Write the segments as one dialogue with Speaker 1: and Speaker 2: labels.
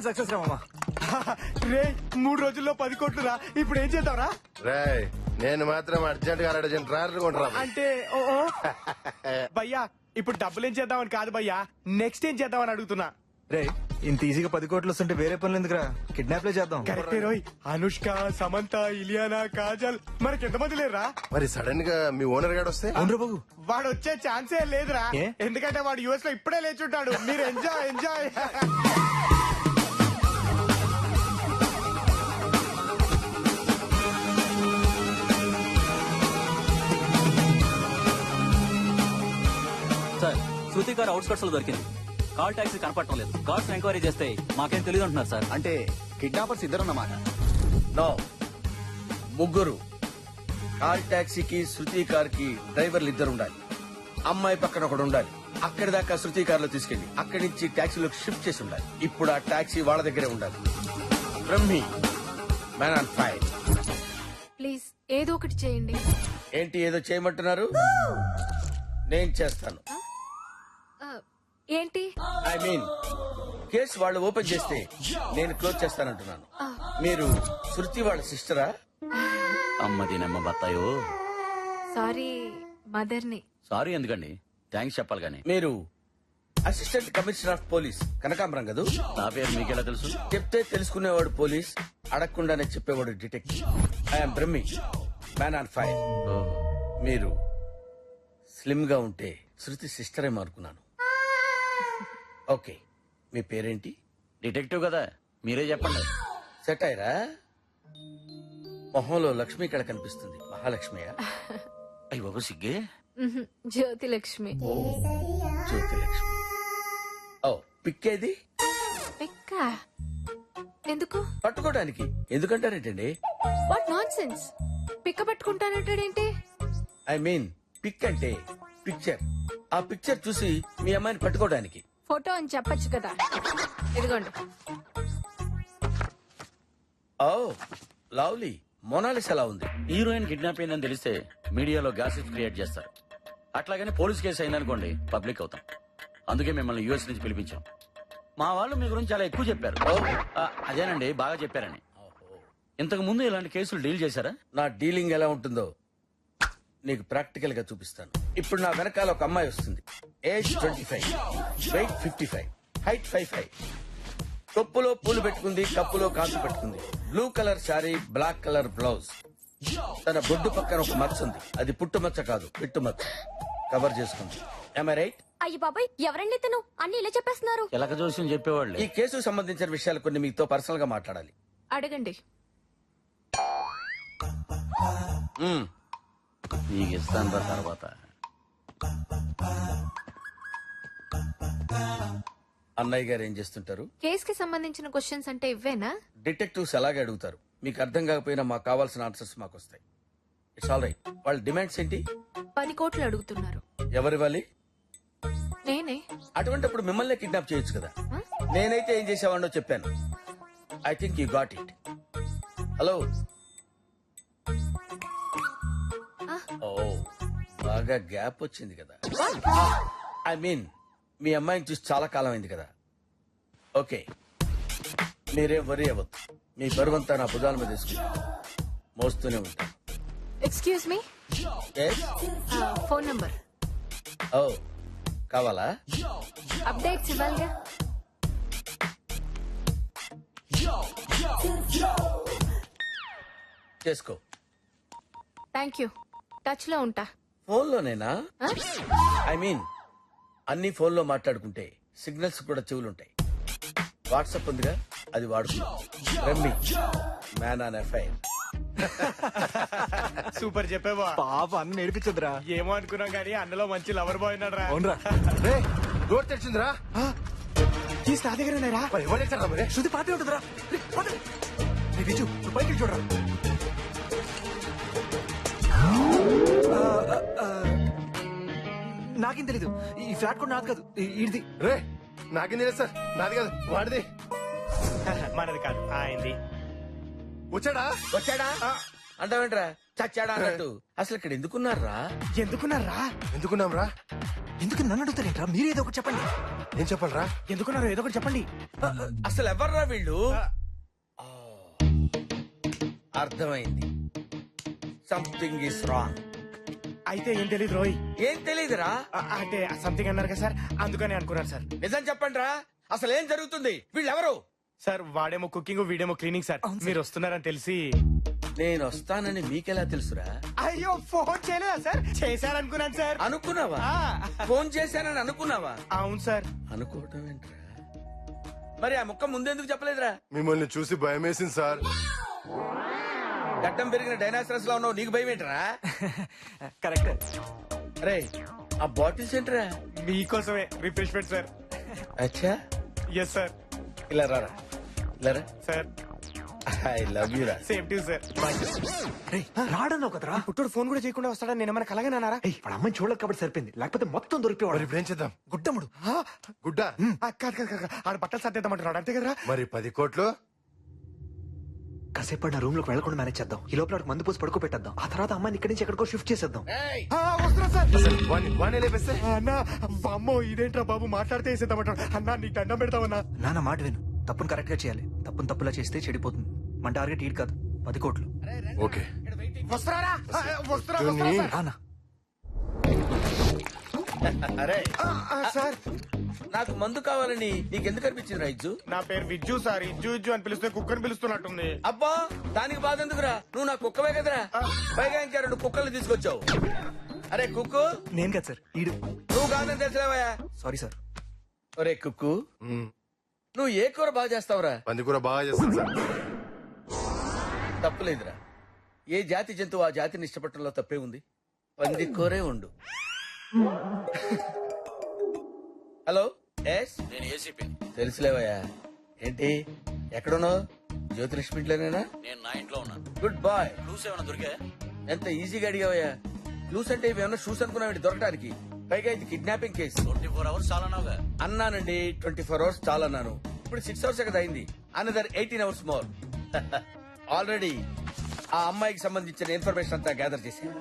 Speaker 1: Success రా మామా.
Speaker 2: రే 3 రోజుల్లో 10 కోట్లు రా. ఇప్పుడు ఏం చేద్దాంరా?
Speaker 3: రేయ్ నేను మాత్రం అర్జెంట్ గా 2 ట్రాక్టర్ కొంటరా.
Speaker 2: అంటే ఓ భయ్యా ఇప్పుడు డబ్బులు ఏం చేద్దామని కాదు భయ్యా, నెక్స్ట్ ఏం చేద్దామని అడుగుతున్నా.
Speaker 1: రే ఇంత ఈజీగా 10 కోట్లు వస్తుంటే వేరే పనులు ఎందుకురా, కిడ్నాప్లే చేద్దాం.
Speaker 2: కరెక్టే రోయ్. అనుష్క, సమంత, ఇలియానా, కాజల్ మనకి ఎంతమంది లేరా?
Speaker 3: మరి సడన్ గా మీ ఓనర్ గాడు వస్తే?
Speaker 1: అవునరా బాబు.
Speaker 2: వాడు వచ్చే ఛాన్సే లేదురా.
Speaker 1: ఏ?
Speaker 2: ఎందుకంటే వాడు యుఎస్ లో ఇప్పుడే లేచుంటాడు. మీరు ఎంజాయ్ ఎంజాయ్.
Speaker 4: సార్ శృతి గారు అవుట్స్కట్స్ లో దొరికింది. కాల్ టాక్సీ కనపడటం లేదు. కార్డ్స్ ఎంక్వైరీ చేస్తే మాకేం తెలియదు అంటున్నారు సార్.
Speaker 5: అంటే కిడ్నాపర్స్ ఇద్దరన్నమాట.
Speaker 6: నో, ముగ్గురు. కార్ టాక్సీకి శృతి కార్ కి డ్రైవర్లు ఇద్దరు ఉండాలి. అమ్మాయి పక్కన ఒకడు ఉండాలి. అక్కడి దాకా శృతి కార్ లో తీసుకెళ్లి అక్కడి నుంచి టాక్సీలోకి షిఫ్ట్ చేసి ఉండాలి. ఇప్పుడు ఆ టాక్సీ వాళ్ళ దగ్గరే ఉండాలి. Brahmi, man on fire.
Speaker 7: Please ఏదో ఒకటి చేయండి.
Speaker 6: ఏంటి ఏదో చేయమంటున్నారు? నేను చేస్తాను.
Speaker 7: ఏంటి?
Speaker 6: ఐ మీన్ కేసు వాళ్ళు ఓపెన్ చేస్తే నేను క్లోజ్ చేస్తానంటున్నాను. మీరు శృతి వాళ్ళ సిస్టరా?
Speaker 4: అమ్మది నమ్మ బత్తాయో.
Speaker 7: సారీ మదర్ని.
Speaker 4: సారీ ఎందుకండి, థ్యాంక్స్ చెప్పాలి గానీ.
Speaker 6: మీరు అసిస్టెంట్ కమిషనర్ ఆఫ్ పోలీస్ కనకాంబరం కదూ?
Speaker 4: నా పేరు మీకెలా తెలుసు?
Speaker 6: చెప్తే తెలుసుకునేవాడు పోలీస్, అడగకుండానే చెప్పేవాడు detective. I'm Brahmi, man on fire. మీరు స్లిమ్ గా ఉంటే శృతి సిస్టర్ ఏమో అనుకున్నాను. ఓకే, మీ పేరేంటి?
Speaker 4: డిటెక్టివ్ కదా, మీరే చెప్పండి.
Speaker 6: సెట్ అయ్యరా? మొహంలో లక్ష్మి ఇక్కడ కనిపిస్తుంది. మహాలక్ష్మియా?
Speaker 4: అయ్యి బాబు సిగ్గే.
Speaker 7: జ్యోతి లక్ష్మి.
Speaker 6: జ్యోతి లక్ష్మి. ఓ పిక్కేది?
Speaker 7: ఎక్క ఎందుకు?
Speaker 6: పట్టుకోవడానికి. ఎందుకంటారేంటండి?
Speaker 7: What nonsense. పిక్క పట్టుకుంటానంటాడేంటి?
Speaker 6: ఐ మీన్ పిక్ అంటే పిక్చర్. ఆ పిక్చర్ చూసి మీ అమ్మాయిని పట్టుకోవడానికి.
Speaker 7: ఫోటో అని చెప్పొచ్చు కదా. ఇదిగోండి.
Speaker 6: Oh lovely. మోనాలిస్ ఎలా ఉంది?
Speaker 4: హీరోయిన్ కిడ్నాప్ అయిందని తెలిస్తే మీడియాలో గ్యాసెస్ క్రియేట్ చేస్తారు. అట్లాగని పోలీస్ కేసు అయిందనుకోండి పబ్లిక్ అవుతాం. అందుకే మిమ్మల్ని యూఎస్ నుంచి పిలిపించాం. మా వాళ్ళు మీ గురించి చాలా ఎక్కువ చెప్పారు. అదేనండి, బాగా చెప్పారని. ఇంతకు ముందు ఇలాంటి కేసులు డీల్ చేశారా?
Speaker 6: నా డీలింగ్ ఎలా ఉంటుందో నీకు ప్రాక్టికల్ గా చూపిస్తాను. ఇప్పుడు నా వెనకాల ఒక అమ్మాయి వస్తుంది. Age 25, wait 55, height 55. కొప్పులో పూలు పెట్టుకుంది, కప్పులో కాసు పెట్టుకుంది. Blue colour sari, black colour blouse. తన బొడ్డు పక్కన ఒక మచ్చ ఉంది. అది పుట్టుమచ్చ కాదు, పిట్టుమచ్చ. కవర్ చేసుకుంది. Am I right?
Speaker 7: అయ్యి బాబాయ్, ఎవరండి తను? అన్ని ఇలా చెప్పేస్తున్నారు.
Speaker 4: ఎలక జోస్యం చెప్పేవాళ్ళు.
Speaker 6: ఈ కేసుకు సంబంధించిన విషయాలు కొన్ని మీతో పర్సనల్ గా మాట్లాడాలి.
Speaker 7: అడగండి.
Speaker 4: నీకు ఇస్తాను రా తర్వాత.
Speaker 6: అన్నయ్య గారు ఏం చేస్తుంటారు?
Speaker 7: కేస్ కి సంబంధించిన క్వశ్చన్స్ అంటే ఇవ్వేనా?
Speaker 6: డిటెక్టివ్స్ అలాగే అడుగుతారు. మీకు అర్థం కాకపోయినా మాకు కావాల్సిన ఆన్సర్స్ మాకు వస్తాయి. It's all right. వాళ్ళ డిమాండ్స్ ఏంటి?
Speaker 7: 10 కోట్లు అడుగుతున్నారు.
Speaker 6: ఎవరివ్వాలి?
Speaker 7: నేనే.
Speaker 6: అటువంటిప్పుడు మిమ్మల్ని కిడ్నాప్ చేయొచ్చు కదా. నేనైతే ఏం చేసేవాడినో చెప్పాను. I think you got it. Hello. ఓ బాగా గ్యాప్ వచ్చింది కదా. ఐ మీన్ మీ అమ్మాయిని చూసి చాలా కాలం అయింది కదా. ఓకే, మీరేం వరి అవ్వద్దు. మీ బరువంతా నా భుజాల మీద తీసుకుంటా మోస్తూనే ఉంటాను.
Speaker 7: Excuse me. Phone number.
Speaker 6: ఓ కావాలా?
Speaker 7: అప్డేట్స్ ఇవ్వాలిగా.
Speaker 6: చేసుకో.
Speaker 7: Thank you. టచ్ లో ఉంటా.
Speaker 6: ఫోన్లోనేనా? ఐ మీన్ అన్ని ఫోన్లో మాట్లాడుకుంటే సిగ్నల్స్ కూడా చెవులుంటాయి. వాట్సాప్ ఉందిగా, అది వాడుకుందాం. Brahmi, man on FIR.
Speaker 2: Super చెప్పేవా.
Speaker 1: పాప అన్న నేర్పించదురా.
Speaker 2: ఏమో అనుకున్నాం కానీ అన్నలో మంచి లవర్ బాయ్ ఉన్నాడు రా.
Speaker 1: అవునరా.
Speaker 3: రే డోర్ తెరిచిందిరా.
Speaker 2: కీస్ నా దగ్గర ఉన్నారా?
Speaker 3: మరి ఎవరు తెచ్చారా మరి?
Speaker 1: శృతి పాటే ఉంటుందిరా. విజు నువ్వు పైకి చూడరా. నాకేం తెలీదు. ఈ ఫ్లాట్ కూడా నాది కాదు, ఇది.
Speaker 3: రే నాకేం తెలియదు సార్. నాది కాదు, వాడిది.
Speaker 2: మనది కాదు, ఆయనది.
Speaker 3: వచ్చాడా?
Speaker 6: వచ్చాడా అంటావేంట్రా? చచ్చాడా అన్నట్టు. అసలు ఇక్కడ ఎందుకున్నారా?
Speaker 2: ఎందుకున్నారా?
Speaker 3: ఎందుకున్నాం రా?
Speaker 1: ఎందుకు నన్ను అడుగుతారేంట్రా మీరేదో ఒకటి చెప్పండి.
Speaker 3: ఏం చెప్పాలరా?
Speaker 2: ఎందుకున్నారు ఏదో ఒకటి చెప్పండి.
Speaker 6: అసలు ఎవర్రా వీళ్ళు? ఆ, అర్థమైంది. Something is wrong.
Speaker 2: అయితే ఏం తెలియదు రోయ్.
Speaker 6: ఏం తెలీదురా?
Speaker 2: అంటే సంథింగ్ అన్నారు కదా సార్, అందుకని అనుకున్నాను సార్.
Speaker 6: నిజం చెప్పండి రా, అసలు ఏం జరుగుతుంది? వీళ్ళెవరు?
Speaker 2: సార్ వాడేమో కుకింగ్ వీడేమో క్లీనింగ్ సార్. మీరు వస్తున్నారని తెలిసి.
Speaker 6: నేను వస్తానని మీకెలా తెలుసురా?
Speaker 2: అయ్యో ఫోన్ చేయలేదా సార్? చేశారనుకున్నాను సార్.
Speaker 6: అనుకున్నావా?
Speaker 2: ఆ,
Speaker 6: ఫోన్ చేశానని అనుకున్నావా?
Speaker 2: అవును సార్.
Speaker 6: అనుకోవటం ఏంట్రా? మరి ఆ ముక్క ముందెందుకు చెప్పలేదురా?
Speaker 3: మిమ్మల్ని చూసి భయం వేసింది సార్.
Speaker 6: గడ్డం పెరిగిన డైనాసరస్ లో ఉన్నావు, నీకు భయం ఏంట్రా?
Speaker 1: కరెక్ట్.
Speaker 6: అరే ఆ బాటిల్స్ ఏంట్రా?
Speaker 2: మీకోసమే రిఫ్రెష్మెంట్ సార్.
Speaker 6: అచ్చా,
Speaker 2: ఎస్ సార్.
Speaker 6: ఇలా రారా, ఇలా రా.
Speaker 2: సార్
Speaker 6: ఐ లవ్ యూ రా.
Speaker 2: Same to sir.
Speaker 1: రాడన్నావు కదరా.
Speaker 2: పుట్టోడు ఫోన్ కూడా చేయకుండా వస్తాడని నేను ఏమైనా కలగనన్నారా?
Speaker 1: వాడు అమ్మాయిని చూడలేక కాబట్టి సరిపోయింది, లేకపోతే మొత్తం దొరికిపోవాడు.
Speaker 3: మరి ఇప్పుడు ఏం చేద్దాం?
Speaker 1: గుడ్డముడు.
Speaker 3: గుడ్డ
Speaker 2: కాదు కాదు కాదు, ఆడ బట్టలు సర్దేద్దామంటున్నాడు అంతే కదరా?
Speaker 3: మరి 10 కోట్లు
Speaker 1: కాసేపు నా రూమ్ లోకి వెళ్లకుండా మేనేజ్ చేద్దాం. ఈ లోపల వాడికి మందు పోసి పడుకో పెట్టేద్దాం. ఆ తర్వాత అమ్మాయిని ఇక్కడి నుంచి ఎక్కడికో షిఫ్ట్ చేసేద్దాం.
Speaker 6: ఏయ్,
Speaker 2: వస్తున్నా సార్.
Speaker 3: అసలు వాణ్ణి లేపేస్తే
Speaker 2: అన్నా అమ్మో ఇదేంట్రా బాబు మాట్లాడితే వేసేద్దామంటాడు. అన్నా నీకు దండం పెడతామన్నా.
Speaker 1: నాన్న మాట విను, తప్పును కరెక్ట్ గా చేయాలి. తప్పును తప్పులా చేస్తే చెడిపోతుంది. మన టార్గెట్ ఈడు కాదు, 10 కోట్లు.
Speaker 3: ఓకే.
Speaker 2: వస్తున్నారా? వస్తున్నా
Speaker 3: ధోని.
Speaker 2: సార్.
Speaker 1: రానా.
Speaker 6: అరే
Speaker 2: సార్
Speaker 6: నాకు మందు కావాలని నీకెందుకు అనిపించింది రైజు?
Speaker 2: నా పేరు విజ్జు సార్. ఇజ్జు ఇజ్జు అని పిలిస్తే కుక్కని పిలుస్తున్నట్టుంది.
Speaker 6: అబ్బా దానికి బాధ ఎందుకురా? నువ్వు నా కుక్కవే కదరా. పైగా ఇంకా 2 కుక్కలు తీసుకొచ్చావు. అరే కుక్కు,
Speaker 1: నేను కదా సార్, ఈడు.
Speaker 6: నువ్వు కాదని తెలిసావయా?
Speaker 1: Sorry sir.
Speaker 6: ఒరే కుక్కు, నువ్వు ఏ కూర బాగా చేస్తావురా?
Speaker 3: పంది కూర బాగా చేస్తాను సార్.
Speaker 6: తప్పులేదురా. ఏ జాతి జంతువు ఆ జాతిని ఇష్టపడటంలో తప్పే ఉంది. పంది కూరే ఉండు. హలో, ఎస్
Speaker 4: నేను ఏసీపీ.
Speaker 6: తెలుసులేవయ్యా. ఏంటి ఎక్కడున్నావు? జ్యోతిలక్ష్మి ఇంట్లోనేనా?
Speaker 4: నేను నా ఇంట్లో ఉన్నాను.
Speaker 6: Good bye.
Speaker 4: క్లూస్ ఏమైనా దొరికా?
Speaker 6: ఎంత ఈజీగా అడిగావయ్యా. క్లూస్ అంటే ఇవేమన్నా షూస్ అనుకున్నావు దొరకడానికి? పైగా ఇది కిడ్నాపింగ్ కేసు.
Speaker 4: 24 hours చాలా నావుగా.
Speaker 6: అన్నానండి, 24 అవర్స్ చాలా అన్నాను. ఇప్పుడు 6 అవర్స్ కదా అయింది. Another 18 hours more. ఆల్రెడీ ఆ అమ్మాయికి సంబంధించిన ఇన్ఫర్మేషన్ అంతా గ్యాదర్ చేశాను.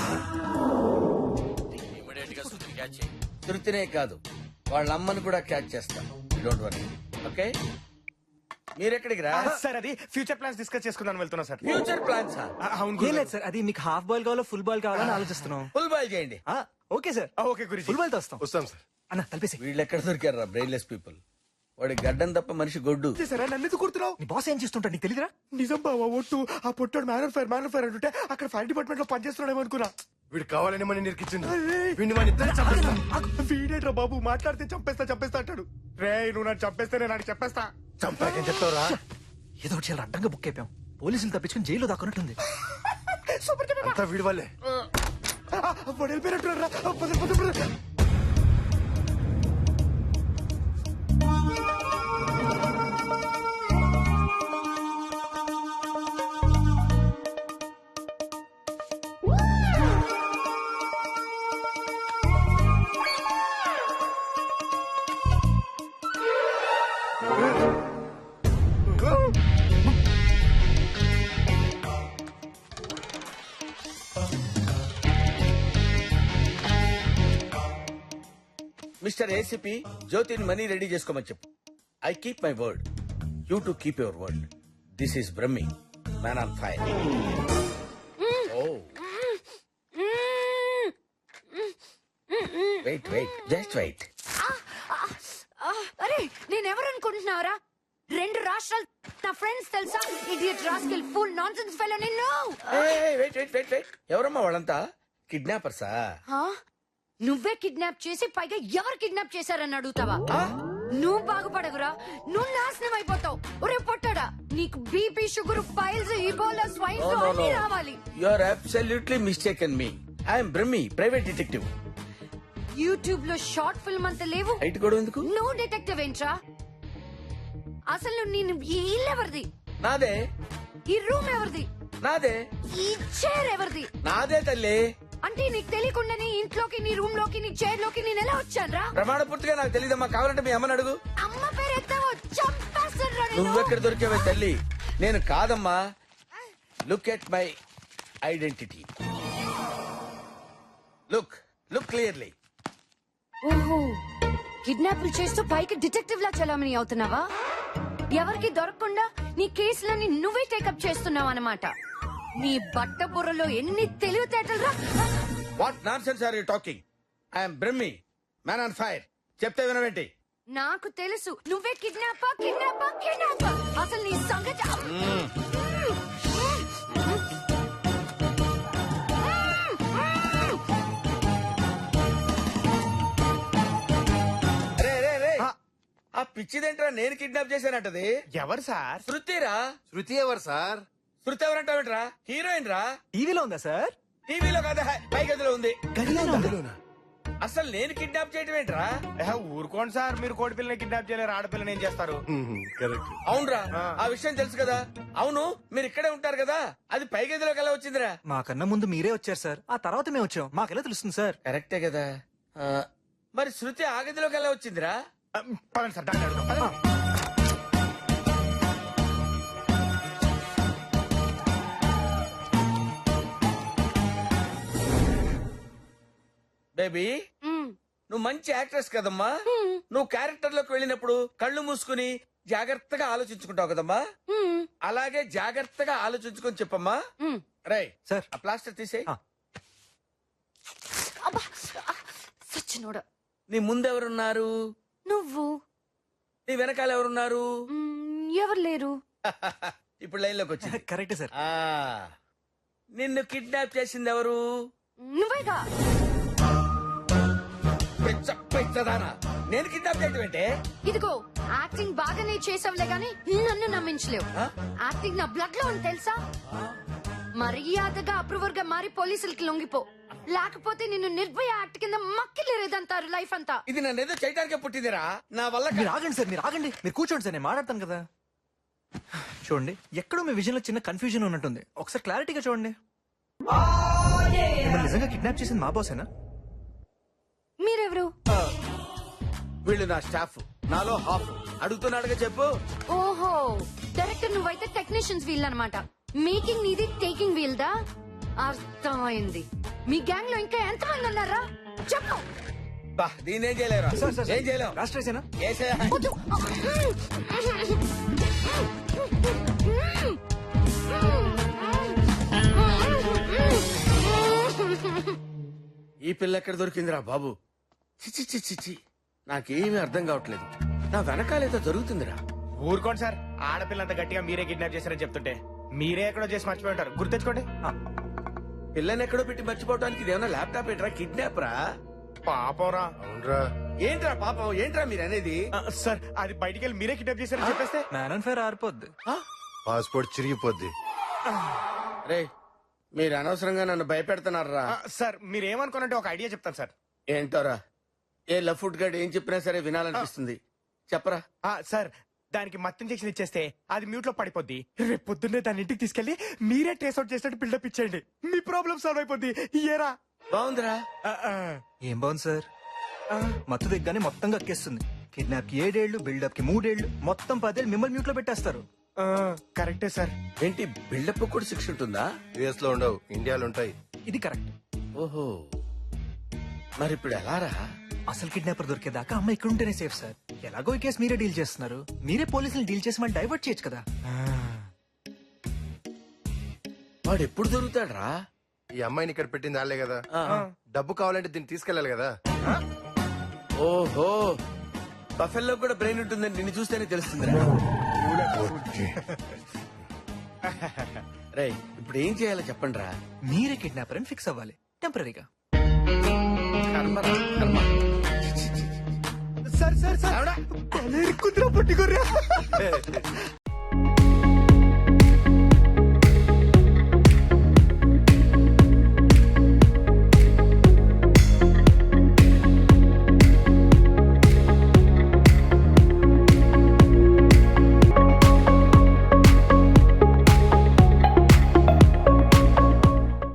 Speaker 4: ఇమీడియట్ గా సుతిని క్యాచ్ చేయి.
Speaker 6: తృప్తినే కాదు, వాళ్ళ అమ్మని కూడా క్యాచ్ చేస్తాను. Don't worry. ఓకే, మీరెక్కడికి రా?
Speaker 2: సార్ అది ఫ్యూచర్ ప్లాన్స్ డిస్కస్ చేసుకుందాం వెళ్తున్నా సార్.
Speaker 6: Future plans.
Speaker 2: అవును
Speaker 1: ఏం లేదు సార్, అది మీకు హాఫ్ బాల్ కావాలో ఫుల్ బాల్ కావాలని ఆలోచిస్తున్నాం.
Speaker 6: ఫుల్ బాయ్ చేయండి.
Speaker 1: ఓకే సార్,
Speaker 2: ఓకే గురించి.
Speaker 1: ఫుల్ బాల్ తో వస్తాం.
Speaker 3: వస్తాం సార్.
Speaker 1: అన్న తలిపేసి.
Speaker 6: వీళ్ళు ఎక్కడ దొరికారు రా బ్రెయిన్లెస్ పీపుల్? వాడి గడ్డం తప్ప మనిషి గొడ్డు.
Speaker 2: సరే నన్ను ఎందుకు కుడుతున్నావు?
Speaker 1: నీ బాస్ ఏం చేస్తుంటా నీకు తెలియదురా?
Speaker 2: నిజం బావా ఒట్టు. ఆ పొట్టాడు మ్యాన్ ఆన్ ఫైర్ అంటుంటే అక్కడ ఫైర్ డిపార్ట్మెంట్ లో పనిచేస్తున్నాడేమో అనుకున్నా.
Speaker 3: వీడు కావాలని మన నిరికించింది.
Speaker 2: అరే.
Speaker 3: వీడిని మన ఇద్దరు చంపేస్తాం.
Speaker 2: వీడేట్రా బాబు మాట్లాడితే చంపేస్తా అంటాడు. రే నువ్వు నన్ను చంపేస్తే నేను నాకు చెప్పేస్తా.
Speaker 3: చంపాకేం చెప్తావురా?
Speaker 1: ఏదో ఒకటి చాలా అడ్డంగా బుక్ అయిపోయాం. పోలీసులు తప్పించుకుని జైల్లో దాక్కున్నట్టుంది.
Speaker 2: సూపర్ చెప్పా.
Speaker 3: అంతా వీడి వల్లే.
Speaker 2: వెళ్ళిపోయినట్టున్నారా?
Speaker 6: మిస్టర్ ఏసీపీ, జ్యోతిని మనీ రెడీ చేసుకోమని చెప్పు. I keep my word, you to keep your word. This is Brahmi, man on fire. Oh wait just wait.
Speaker 7: అరే నేనెవరు అనుకుంటున్నావురా? 2 రాష్ట్రాలు నా ఫ్రెండ్స్ తెలుసా? Idiot rascal full nonsense fellow నిన్ను.
Speaker 6: వెయిట్ ఎవరమ్మా వాళ్ళంతా? కిడ్నాపర్సా?
Speaker 7: హా? నువ్వే కిడ్నాప్ చేసి పైగా ఎవరు కిడ్నాప్ చేశారని అడుగుతావా? నువ్వు బాగుపడవురా, నువ్వు నాశనం అయిపోతావు. ఒరే పొట్టాడా, నీకు BP sugar piles Ebola swine flu అన్ని రావాలి.
Speaker 6: You are absolutely mistaken me. I'm Brahmi, private detective.
Speaker 7: YouTube లో షార్ట్ ఫిల్మ్ అంత లేవు.
Speaker 6: హైట్ కూడా ఎందుకు?
Speaker 7: నువ్వు డిటెక్టివ్ ఏంట్రా? అసలు నేను ఈ ఇల్లు ఎవరిది?
Speaker 6: నాదే.
Speaker 7: ఈ రూమ్ ఎవరిది?
Speaker 6: నాదే.
Speaker 7: ఈ చైర్ ఎవరిది?
Speaker 6: నాదే తల్లి.
Speaker 7: అంటే నీకు తెలియకుండానే ఇంట్లోకి, నీ రూమ్ లోకి, నీ చైర్ లోకి నేను ఎలా వచ్చానురా?
Speaker 6: ప్రమాణ పూర్తిగా నాకు తెలియదమ్మా. కావాలంటే మీ అమ్మని అడుగు.
Speaker 7: అమ్మ పేరు ఎత్తావో చంపేస్తానురా నిన్ను.
Speaker 6: నువ్వెక్కడ దొరికావే తల్లి? నేను కాదమ్మా. Look at my identity. Look clearly.
Speaker 7: ఓహో కిడ్నాపులు చేస్తూ పైకి డిటెక్టివ్ లా చలామణి అవుతున్నావా? ఎవరికి దొరకకుండా నీ కేసులన్నీ నువ్వే టేకప్ చేస్తున్నావు అన్నమాట. నీ బట్ట బుర్రలో ఎన్ని తెలివితేటలు.
Speaker 6: What nonsense are you talking? I'm Brahmi, man on fire. చెప్తే వినవేంటి?
Speaker 7: నాకు తెలుసు నువ్వే కిడ్నాపర్. అసలు నీ సంగతి
Speaker 6: రే రే రే, ఆ పిచ్చిదేంట్రా నేను కిడ్నాప్ చేశానంటది?
Speaker 2: ఎవరు సార్?
Speaker 6: శృతిరా.
Speaker 3: శృతి ఎవరు సార్?
Speaker 6: శృతి ఎవరంటావేంట్రా? హీరోయిన్ రా.
Speaker 1: టీవీలో ఉందా సార్?
Speaker 6: టీవీలో కాదా, పై గదిలో ఉంది.
Speaker 3: గదిలోనా?
Speaker 6: అసలు నేను కిడ్నాప్ చేయటం ఏంట్రా?
Speaker 2: ఊరుకోండి సార్, మీరు కోడి పిల్లని కిడ్నాప్ చేయలేరు, ఆడపిల్లని ఏం చేస్తారు?
Speaker 3: కరెక్ట్.
Speaker 6: అవునరా, ఆ విషయం తెలుసు కదా. అవును, మీరు ఇక్కడే ఉంటారు కదా, అది పై గదిలోకి ఎలా వచ్చిందిరా?
Speaker 1: మాకన్నా ముందు మీరే వచ్చారు సార్, ఆ తర్వాత మేము వచ్చాం. మాకెలా తెలుస్తుంది సార్?
Speaker 6: కరెక్టే కదా. మరి శృతి ఆ గదిలోకి ఎలా వచ్చిందిరా?
Speaker 2: పదండి సార్, డాక్టర్ అడుగుదాం. పదండి.
Speaker 6: బేబీ, నువ్వు మంచి యాక్ట్రెస్ కదమ్మా. నువ్వు క్యారెక్టర్ లోకి వెళ్ళినప్పుడు కళ్ళు మూసుకుని జాగ్రత్తగా ఆలోచించుకుంటావు కదమ్మా. అలాగే జాగ్రత్తగా ఆలోచించుకొని చెప్పమ్మా. రై
Speaker 1: సార్.
Speaker 6: ఆ ప్లాస్టర్ తీసే.
Speaker 1: ఆ.
Speaker 7: సచ్చినోడా.
Speaker 6: నీ ముందెవరున్నారు?
Speaker 7: నువ్వు.
Speaker 6: నీ వెనకాల ఎవరున్నారు?
Speaker 7: ఎవరు లేరు.
Speaker 6: ఇప్పుడు లైన్ లోకి వచ్చింది.
Speaker 1: కరెక్టే సార్.
Speaker 6: ఆ, నిన్ను కిడ్నాప్ చేసింది ఎవరు?
Speaker 7: నువ్వేగా.
Speaker 6: పెచ్చదానా, నేను కిడ్నాప్ చేయటం ఏంటే?
Speaker 7: ఇదిగో యాక్టింగ్ బాగానే చేసావులే గాని నన్ను నమ్మించలేవు.
Speaker 6: ఆ?
Speaker 7: యాక్టింగ్ నా బ్లడ్ లో ఉంది తెలుసా. మర్యాదగా అప్రూవర్ గా మారి పోలీసులకి లొంగిపో, లేకపోతే నిన్ను నిర్భయ యాక్ట్ కింద మక్కిలేదంటారు లైఫ్ అంతా.
Speaker 6: ఇది నన్ను ఏదో చేయడానికే పుట్టిందిరా, నా వల్ల
Speaker 1: మీరు ఆగండి సార్, మీరు ఆగండి. మీరు కూర్చోండి సార్, నేను మాట్లాడతాను కదా. చూడండి, ఎక్కడో మీ విజన్ లో చిన్న కన్ఫ్యూజన్ ఉన్నట్టుంది. ఒకసారి క్లారిటీగా చూడండి. మిమ్మల్ని నిజంగా కిడ్నాప్ చేసింది మా బాసేనా?
Speaker 7: మీరెవరు?
Speaker 6: వీళ్ళు నా స్టాఫ్, నాలో హాఫ్. అడుగుతున్నాడుగా చెప్పు.
Speaker 7: ఓహో, డైరెక్టర్ నువ్వైతే టెక్నీషియన్స్ వీల్ అన్నమాట. మేకింగ్ నీది, టేకింగ్ వీల్ దా. అర్థమైంది. మీ గ్యాంగ్ లో ఇంకా ఎంతమంది ఉన్నారా చెప్పు.
Speaker 6: బా, దీన్ని ఏం చేయలేరా?
Speaker 1: సార్, సార్,
Speaker 6: ఏం చేయలేం.
Speaker 1: రాష్ట్రేసేనా?
Speaker 6: ఏసే.
Speaker 7: వద్దు.
Speaker 6: ఈ పిల్ల ఎక్కడ దొరికిందిరా బాబు? చిచి చిచి చిచి, నాకేమీ అర్థం కావట్లేదు. నా వెనకాలేదో జరుగుతుందిరా.
Speaker 2: ఊరుకోండి సార్, ఆడపిల్లంత గట్టిగా మీరే కిడ్నాప్ చేశారని చెప్తుంటే మీరే ఎక్కడో చేసి మర్చిపోయి ఉంటారు. గుర్తెచ్చుకోండి.
Speaker 6: పిల్లని ఎక్కడో పెట్టి మర్చిపోవడానికి ఇదేమన్నా ల్యాప్టాప్ ఏంట్రా? కిడ్నాప్ రా.
Speaker 2: పాపరా.
Speaker 3: అవునరా.
Speaker 6: ఏంట్రా పాపం, ఏంట్రా మీరు అనేది?
Speaker 2: సార్, అది బయటికి వెళ్ళి మీరే కిడ్నాప్ చేశారని చెప్పేస్తే
Speaker 1: మ్యాన్ అండ్ ఫైర్ ఆరిపోద్ది.
Speaker 3: పాస్పోర్ట్ చిరిగిపోద్ది.
Speaker 6: రే, మీరు అనవసరంగా నన్ను భయపెడుతున్నారా?
Speaker 2: సార్, మీరేమనుకోనంటే ఒక ఐడియా చెప్తాను సార్.
Speaker 6: ఏంటోరా, ఏ లఫ్ట్ గడ్ ఏం చెప్పినా సరే వినాలనిపిస్తుంది. చెప్పరా.
Speaker 2: సార్, దానికి మత్తు ఇంజెక్షన్ ఇచ్చేస్తే అది మ్యూట్ లో పడిపోద్ది. రేపు పొద్దున్నే దాని ఇంటికి తీసుకెళ్లి మీరే ట్రేస్ అవుట్ చేసినట్టు బిల్డప్ ఇచ్చేయండి. మీ ప్రాబ్లం సాల్వ్ అయిపోద్ది. ఏరా?
Speaker 6: బాగుందిరా.
Speaker 1: ఏం బాగుంది సార్, మత్తు దిగ్గానే మొత్తం కక్కేస్తుంది. కిడ్నాప్ కి 7 ఏళ్లు, బిల్డప్ కి 3 ఏళ్లు, మొత్తం 10 ఏళ్ళు మిమ్మల్ని మ్యూట్ లో పెట్టేస్తారు.
Speaker 2: కరెక్టే సార్.
Speaker 6: ఏంటి, బిల్డప్ కూడా శిక్ష ఉంటుందా?
Speaker 3: యుఎస్ లో ఉండవు, ఇండియాలో ఉంటాయి.
Speaker 1: ఇది కరెక్ట్.
Speaker 6: ఓహో, మరి ఇప్పుడు ఎలా రా?
Speaker 1: అసలు కిడ్నాపర్ దొరికేదాకా అమ్మ ఇక్కడ ఉంటేనే సేఫ్ సార్. ఎలాగో ఈ కేసు మీరే డీల్ చేస్తున్నారు, మీరే పోలీసులు డీల్ చేసి మళ్ళీ డైవర్ట్ చేయొచ్చు కదా.
Speaker 6: వాడు ఎప్పుడు దొరుకుతాడ్రా?
Speaker 3: ఈ అమ్మాయిని ఇక్కడ పెట్టింది వాళ్ళే కదా.
Speaker 6: ఆ.
Speaker 3: డబ్బు కావాలంటే దీన్ని తీసుకెళ్ళాలి కదా.
Speaker 6: ఓహో, బఫెల్లో కూడా బ్రెయిన్ ఉంటుందని నిన్ను చూస్తేనే తెలుస్తుంది. రే, ఇప్పుడు ఏం చేయాలో చెప్పండి రా.
Speaker 1: మీరే కిడ్నాపర్ అని ఫిక్స్ అవ్వాలి టెంపరీగా.
Speaker 6: కర్మరా, కర్మ.
Speaker 2: సార్ సార్ సార్, కుదిరా పట్టుకోర్రా.